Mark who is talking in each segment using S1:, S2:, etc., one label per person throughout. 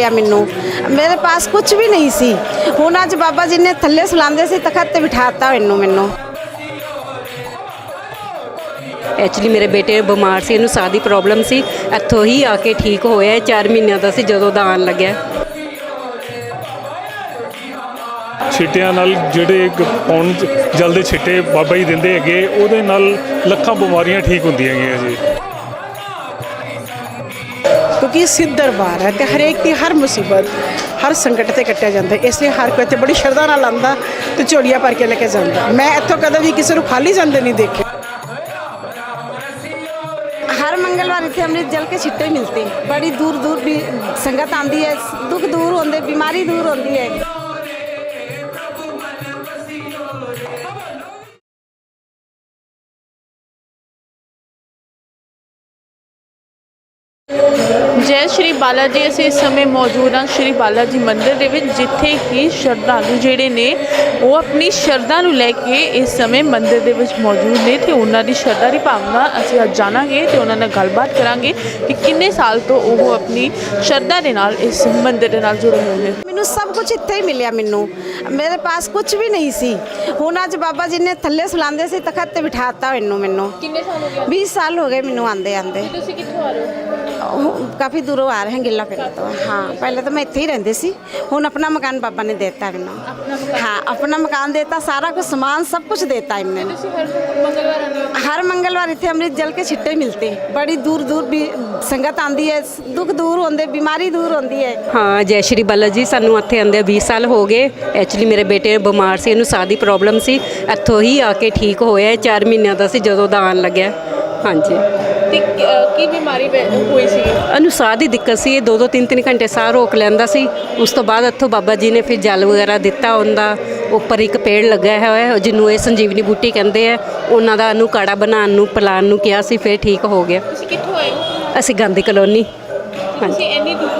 S1: मिलिया मैनू। मेरे पास कुछ भी नहीं सी। हुण अज बाबा जी ने थल्ले सुलांदे सी तखत ते बिठाता मैनू।
S2: एक्चुअली मेरे बेटे बीमार से, साह की प्रॉब्लम सी, इत्थों ही आके ठीक होया। 4 महीनों का सी जदों दा आन लग्या।
S3: ਛਿੱਟਿਆਂ ਨਾਲ ਜਿਹੜੇ ਪਾਉਣ ਜਲਦੇ ਛਿੱਟੇ ਬਾਬਾ ਜੀ ਦਿੰਦੇ ਹੈਗੇ, ਉਹਦੇ ਨਾਲ ਲੱਖਾਂ ਬਿਮਾਰੀਆਂ ਠੀਕ ਹੁੰਦੀਆਂ ਹੈਗੀਆਂ ਜੀ।
S4: क्योंकि सिद्ध दरबार है तो हरेक की हर मुसीबत हर संकट से कट्टिया जाता है, इसलिए हर कोई बड़ी श्रद्धा नाल आंदा तो झोलियां भर के लेके जाता। मैं इत्थों कदे भी किसी को खाली जाते नहीं देखे।
S1: हर मंगलवार इतने अमृत जल के छिट्टे मिलते, बड़ी दूर दूर भी संगत आती है, दुख दूर होंगे, बीमारी दूर होती है।
S5: जय श्री बाला जी। असीं इस समय मौजूद हाँ श्री बाला जी मंदिर दे विच, जिथे कि श्रद्धालु जिहड़े ने वो अपनी श्रद्धा नूं लैके इस समय मंदिर दे विच मौजूद ने ते उन्हां दी श्रद्धा दी भावना असीं अज जाणांगे ते उन्हां नाल गलबात करांगे कि किन्ने साल तो वो अपनी श्रद्धा दे नाल इस मंदिर दे नाल जुड़े हुए हैं।
S1: मैनू सब कुछ इत्थे ही मिलिया मैनू। मेरे पास कुछ भी नहीं सी। हुण अज बाबा जी ने थल्ले सुलांदे सी तखत ते बिठाता मैनू।
S5: किन्ने साल हो गए?
S1: 20 साल हो गए मैनू आंदे आंदे।
S5: तुसीं कित्थों आ रहे हो?
S1: काफ़ी दूरों आ रहे हैं, गिला पिंड तो। हाँ, पहले तो मैं इत्थे ही रहंदी सी, हुण अपना मकान बाबा ने देता मैनू। हाँ, अपना मकान देता, सारा कुछ सामान सब कुछ देता इन्हें। हर मंगलवार इतने अमृत जल के छिट्टे मिलते, बड़ी दूर दूर भी संगत आती है, दुख दूर होंगे, बीमारी दूर होती है।
S2: हाँ, जय श्री बाला जी। सानू इत्थे आंदे 20 साल हो गए। एक्चुअली मेरे बेटे बीमार से, साह की प्रॉब्लम सी, इत्थों ही आके ठीक होया। 4 महीनों का सी जदों दा आन लग्या। हाँ जी।
S5: की बीमारी हुई सी?
S2: साह की दिक्कत सी, 2-2 3-3 घंटे साह रोक लैंदा सी। उस तो बाद इत्थों बाबा जी ने फिर जल वगैरह दिता। उनका उपर एक पेड़ लगा है जिन्हों ये संजीवनी बूटी कहते हैं, उन्हों का नूं काढ़ा बनाने नूं पिलाने नूं किया सी, फिर ठीक हो गया। असीं गांधी कलोनी। हाँ जी,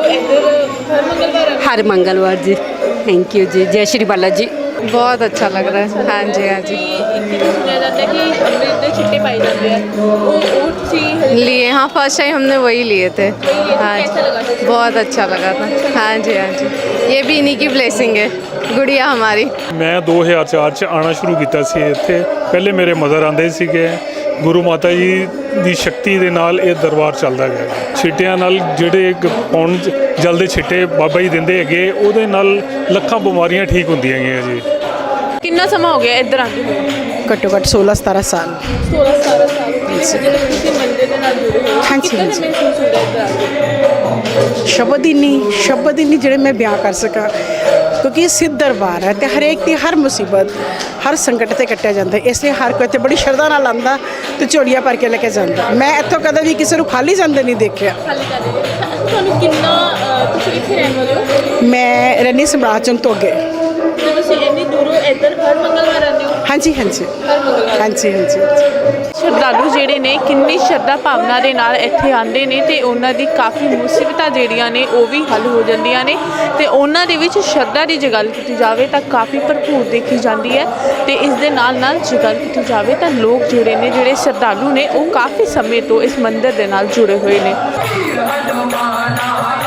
S2: हर मंगलवार जी। थैंक यू जी। जय श्री बाला जी।
S6: बहुत अच्छा लग रहा है। हाँ जी, हाँ जी।
S5: सुना जाता है कि अमृत दे छिट्टे पाए जाते हैं,
S6: लिए। हाँ, फर्स्ट टाइम हमने वही लिए थे। हाँ जी,
S5: कैसा लगा था?
S6: बहुत अच्छा लगा था। हाँ जी, हाँ जी। ये भी इन्हीं की ब्लेसिंग है, गुड़िया हमारी।
S3: मैं 2004 ਚ ਆਉਣਾ ਸ਼ੁਰੂ ਕੀਤਾ ਸੀ ਇੱਥੇ। ਪਹਿਲੇ ਮੇਰੇ ਮਦਰ ਆਉਂਦੇ ਸੀਗੇ। ਗੁਰੂ ਮਾਤਾ ਜੀ ਦੀ ਸ਼ਕਤੀ ਦੇ ਨਾਲ ਇਹ ਦਰਬਾਰ ਚੱਲਦਾ ਗਿਆ। ਛਿੱਟਿਆਂ ਨਾਲ ਜਿਹੜੇ ਪਾਉਣ ਜਲਦੇ ਛਿੱਟੇ ਬਾਬਾ ਜੀ ਦਿੰਦੇ ਹੈਗੇ, ਉਹਦੇ ਨਾਲ ਲੱਖਾਂ ਬਿਮਾਰੀਆਂ ਠੀਕ ਹੁੰਦੀਆਂ ਹੈਗੀਆਂ ਜੀ।
S5: कितना समा हो गया इधर आते हुए?
S4: घट्टो घट्ट 16-17 साल।
S5: 16-17 साल मंदिर के नाल जुड़े हुए।
S4: हाँ जी, हाँ जी।
S5: महसूस होता है इधर आके?
S4: शब्द ही नहीं ਜਿਹੜੇ मैं बयां कर सका, क्योंकि सिद्ध दरबार है तो हरेक की हर मुसीबत हर संकट से कट्टिया जाता है, इसलिए हर कोई बड़ी श्रद्धा नाल आंदा तो झोलियां भर के लेके जाता। मैं इत्थों कदे भी किसी को खाली जाते नहीं देखा।
S5: खाली कर दे। ਤੁਹਾਨੂੰ ਕਿੰਨਾ ਤੁਸੀਂ ਕਿੱਥੇ ਰਹਿਣ ਵਾਲੇ ਹੋ?
S4: मैं रहनी सम्राट चौक तो अगे।
S5: ਤੇ ਤੁਸੀਂ ਇੰਨੀ ਦੂਰੋਂ ਇੱਧਰ ਹਰ ਮੰਗਲਵਾਰ ਆਉਂਦੇ ਹੋ?
S4: हाँ जी, हाँ जी।
S5: ਹਰ ਮੰਗਲਵਾਰ।
S4: हाँ जी, हाँ जी।
S5: ਸ਼ਰਧਾਲੂ ਜਿਹੜੇ ਨੇ ਕਿੰਨੀ ਸ਼ਰਧਾ ਭਾਵਨਾ ਦੇ ਨਾਲ ਇੱਥੇ ਆਉਂਦੇ ਨੇ ਤੇ ਉਹਨਾਂ ਦੀ ਕਾਫੀ ਮੁਸੀਬਤਾਂ ਜਿਹੜੀਆਂ ਨੇ ਉਹ ਵੀ ਹੱਲ ਹੋ ਜਾਂਦੀਆਂ ਨੇ ਤੇ ਉਹਨਾਂ ਦੇ ਵਿੱਚ ਸ਼ਰਧਾ ਦੀ ਜੇ ਗੱਲ ਕੀਤੀ ਜਾਵੇ ਤਾਂ ਕਾਫੀ ਭਰਪੂਰ ਦੇਖੀ ਜਾਂਦੀ ਹੈ। ਤੇ ਇਸ ਦੇ ਨਾਲ ਨਾਲ ਜੇ ਗੱਲ ਕੀਤੀ ਜਾਵੇ ਤਾਂ ਲੋਕ ਜਿਹੜੇ ਨੇ, ਜਿਹੜੇ ਸ਼ਰਧਾਲੂ ਨੇ, ਉਹ ਕਾਫੀ ਸਮੇਂ ਤੋਂ ਇਸ ਮੰਦਿਰ ਦੇ ਨਾਲ ਜੁੜੇ ਹੋਏ ਨੇ।